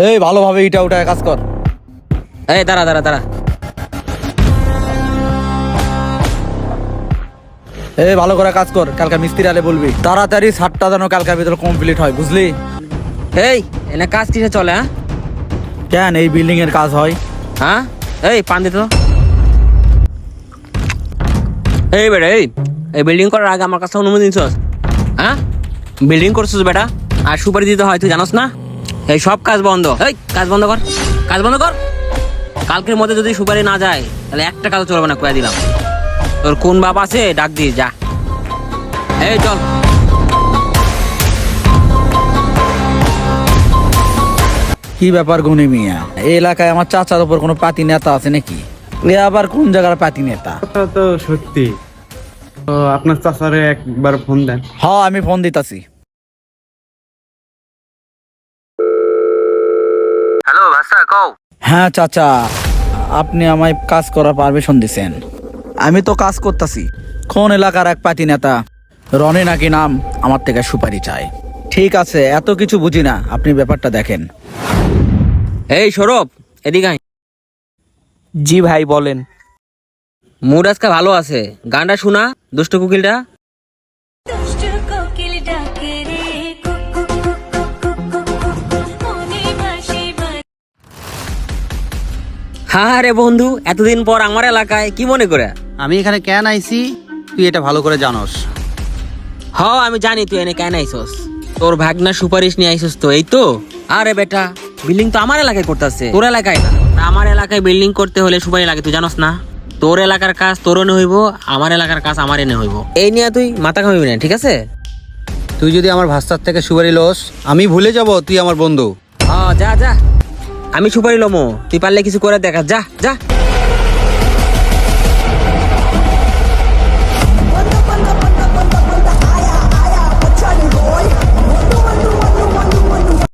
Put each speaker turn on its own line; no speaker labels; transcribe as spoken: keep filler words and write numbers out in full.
এই ভালোভাবে ইটা উঠায় কাজ কর।
এই দাঁড়া দাঁড়া দাঁড়া
এই ভালো করে কাজ কর, কালকে মিস্ত্রি আলে বলবি তাড়াতাড়ি সাতটা যেন কালকার ভিতরে কমপ্লিট হয়, বুঝলি?
এই এনে কাজ কিসে চলে? হ্যাঁ
কেন এই বিল্ডিং এর কাজ হয়?
হ্যাঁ এই পান দিত। এই বেটা এই এই বিল্ডিং করার আগে আমার কাছে অনুমতি নিছস? হ্যাঁ বিল্ডিং করছিস বেটা, আর সুপারি দিতে হয় তুই জানোস না? এই সব কাজ বন্ধ, এই কাজ বন্ধ কর, কাজ বন্ধ কর। কালকের মধ্যে যদি সুপারি না যায় তাহলে একটা কাজ চলবে না, কয়ে দিলাম। তোর কোন বাপ আছে ডাক দিয়ে যা। এই চল।
কি ব্যাপার গুনি মিয়া, এই এলাকায় আমার চাচার উপর কোনো পাতি নেতা আছে নাকি? এ আবার কোন জায়গার পাতি নেতা?
কথা তো সত্যি। তো আপনার চাচারে একবার ফোন দেন।
হ্যাঁ আমি ফোন দিতাছি।
হ্যালো ভাষা কও।
হ্যাঁ চাচা, আপনি আমায় কাজ করার পারমিশন দিছেন। আমি তো কাজ করতেছি। কোন এলাকার এক পাতি নেতা রনি নাকি নাম, আমার থেকে সুপারি চাই। ঠিক আছে, এত কিছু বুঝি না, আপনি ব্যাপারটা দেখেন।
এই সৌরভ এদিকে আয়।
জি ভাই বলেন।
মুড আজকে ভালো আছে, গানটা শোনা দুষ্ট কুকিলটা।
দুষ্ট কোকিল ডাকে রে কুক কুক কুক কুক কুক কুক কুক মনে ভাসে ভাসে।
হ্যাঁ রে বন্ধু, এতদিন পর আমার এলাকায়, কি মনে করে?
আমি এখানে কেন আইছি তুই এটা ভালো করে জানোস।
হ আমি জানি তুই এনে কেন আইসস। তোর ভাগনা সুপারিশ নিয়ে আইসস তো, এই তো। আরে বেটা বিল্ডিং তো আমার এলাকায় করতেছে, তোর এলাকায় না। আমার এলাকায় বিল্ডিং করতে হলে সুপারি লাগে, তুই জানোস না? তোর এলাকার কাজ তোর এনে হইব, আমার এলাকার কাজ আমার এনে হইব। এই নিয়ে তুই মাথা ঘামাবি না, ঠিক আছে?
তুই যদি আমার ভাস্তার থেকে সুপারি লোস, আমি ভুলে যাব তুই আমার বন্ধু।
হ যা যা, আমি সুপারি লমো, তুই পারলে কিছু করে দেখা, যা যা।